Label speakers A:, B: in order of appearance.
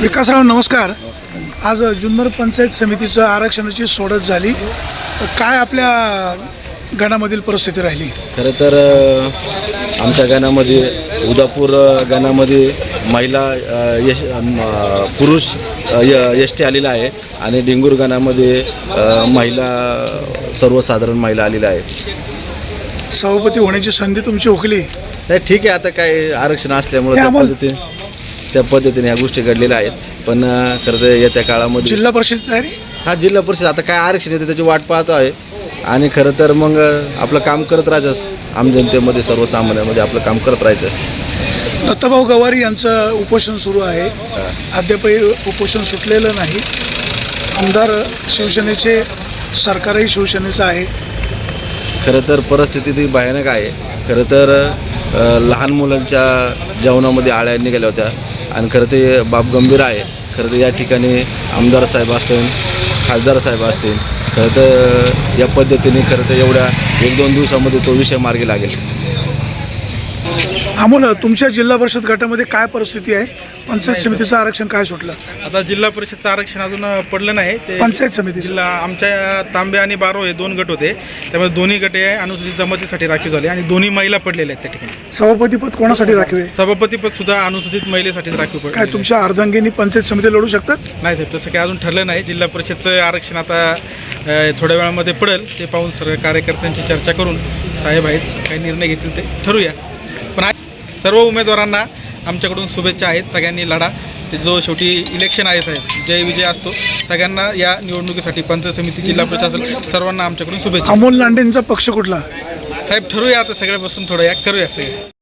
A: विकासराव नमस्कार। आज जुन्नर पंचायत समितीचं आरक्षणाची सोडत झाली, तर काय आपल्या गणामधील परिस्थिती राहिली?
B: खरं तर आमच्या गणामध्ये उदापूर गणामध्ये महिला पुरुष एस टी आलेला आहे आणि डिंगूर गणामध्ये महिला सर्वसाधारण महिला आलेल्या आहेत।
A: सभापती होण्याची संधी तुमची हुकली?
B: नाही, ठीक आहे, आता काय आरक्षण असल्यामुळे त्या पद्धतीने ह्या गोष्टी घडलेल्या आहेत। पण खरं तर येत्या काळामध्ये
A: जिल्हा परिषद तयारी?
B: हा, जिल्हा परिषद आता काय आरक्षण येते त्याची वाट पाहतो आहे आणि खरं तर मग आपलं काम करत राहायचं, आम जनतेमध्ये सर्वसामान्यांमध्ये आपलं काम करत राहायचं।
A: दत्ताभाऊ गवारी यांचं उपोषण सुरू आहे, अद्यापही उपोषण सुटलेलं नाही। आमदार शिवसेनेचे, सरकारही शिवसेनेचं आहे।
B: खरं तर परिस्थिती ती भयानक आहे। खरं तर लहान मुलांच्या जेवणामध्ये आळ्या निघाल्या होत्या आणि खरं ते बाब गंभीर आहे। खरं तर या ठिकाणी आमदार साहेब असतील, खासदार साहेब असतील, खरं तर या पद्धतीने खरं तर एवढ्या 1-2 दिवसामध्ये तो विषय मार्गी लागेल।
A: अमोल, तुमच्या जिल्हा परिषद गटामध्ये काय परिस्थिती आहे? पंचायत समितीचं आरक्षण काय सुटलं?
C: आता जिल्हा परिषदचं आरक्षण अजून पडलं नाही। ते
A: पंचायत समिती
C: जिल्हा आमच्या तांबे आणि बारो हे 2 गट होते, त्यामुळे दोन्ही गटे अनुसूचित जमातीसाठी राखीव झाले आणि दोन्ही महिला पडलेल्या आहेत त्या ठिकाणी।
A: सभापतीपद कोणासाठी राखीव आहे?
C: सभापतीपद सुद्धा अनुसूचित महिलेसाठीच राखीव पडले।
A: काय तुमच्या अर्धांगिनी पंचायत समिती लढू शकतात?
C: नाही साहेब, तसं काही अजून ठरलं नाही। जिल्हा परिषदचं आरक्षण आता थोड्या वेळामध्ये पडेल, ते पाहून सर्व कार्यकर्त्यांची चर्चा करून साहेब आहेत काही निर्णय घेतील ते ठरूया। पण सर्व उमेदवारांना आमच्याकडून शुभेच्छा आहेत। सगळ्यांनी लढा, ते जो शेवटी इलेक्शन आहे साहेब, जय विजय असतो। सगळ्यांना या निवडणुकीसाठी पंचायत समिती, जिल्हा प्रशासन सर्वांना आमच्याकडून शुभेच्छा।
A: अमोल लांडेंचा पक्ष कुठला?
C: साहेब ठरूया, आता सगळे बसून थोडं करूया सगळे।